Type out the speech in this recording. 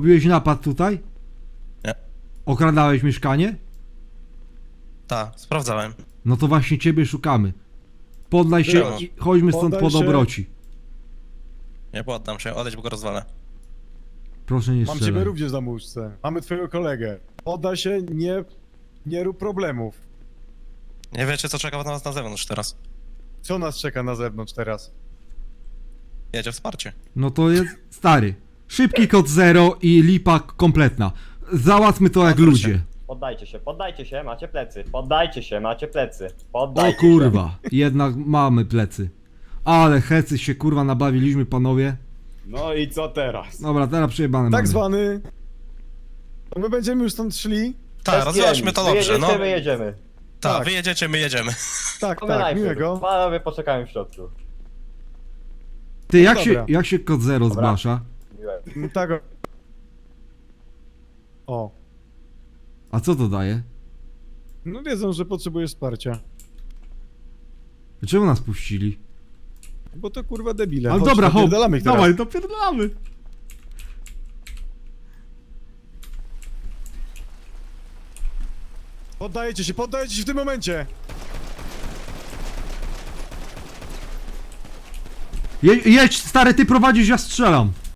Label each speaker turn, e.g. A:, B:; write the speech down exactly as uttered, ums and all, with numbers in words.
A: robiłeś napad tutaj?
B: Nie.
A: Okradałeś mieszkanie?
B: Tak, sprawdzałem.
A: No to właśnie ciebie szukamy. Poddaj się
B: Było.
A: i chodźmy stąd
C: Poddaj
A: po
C: się.
A: dobroci.
B: Nie poddam się, odejdź, bo go rozwalę.
A: Proszę nie
C: Mam
A: strzelaj.
C: ciebie również za muszce. Mamy twojego kolegę. Poddaj się, nie, nie rób problemów.
B: Nie wiecie, co czeka na nas na zewnątrz teraz.
C: Co nas czeka na zewnątrz teraz?
B: Jedzie wsparcie.
A: No to jest stary. Szybki kod zero i lipa kompletna. Załatwmy to jak
B: Odwróć
A: ludzie.
D: Poddajcie się, poddajcie się, macie plecy. Poddajcie się, macie plecy.
A: O
D: Poddajcie
A: kurwa, jednak mamy plecy. Ale hecy się kurwa nabawiliśmy, panowie.
E: No i co teraz?
A: Dobra, teraz przejebane
C: Tak
A: mamy.
C: zwany. To my będziemy już stąd szli.
D: się.
B: Tak, rozwiążmy to dobrze,
D: Wyjedziecie,
B: no.
D: wyjedziemy.
B: Tak,
C: tak.
B: wy jedziecie, my jedziemy.
C: Tak,
D: To my
C: tak,
D: najpierw.
C: miłego.
D: Panowie poczekamy w środku.
A: Ty, jak się,
C: Dobra.
A: jak się kod zero
D: Dobra.
A: zgłasza?
D: Miłego.
C: Mm, Tak. o- O.
A: A co to daje?
C: No wiedzą, że potrzebujesz wsparcia.
A: Czemu nas puścili?
C: Bo to kurwa debile.
A: Ale
C: Chodź,
A: dobra, hop,
C: napierdalamy ich teraz.
A: dawaj, dopierdalamy.
C: Poddajecie się, poddajecie się w tym momencie.
A: Je, jedź, stary, ty prowadzisz, ja strzelam.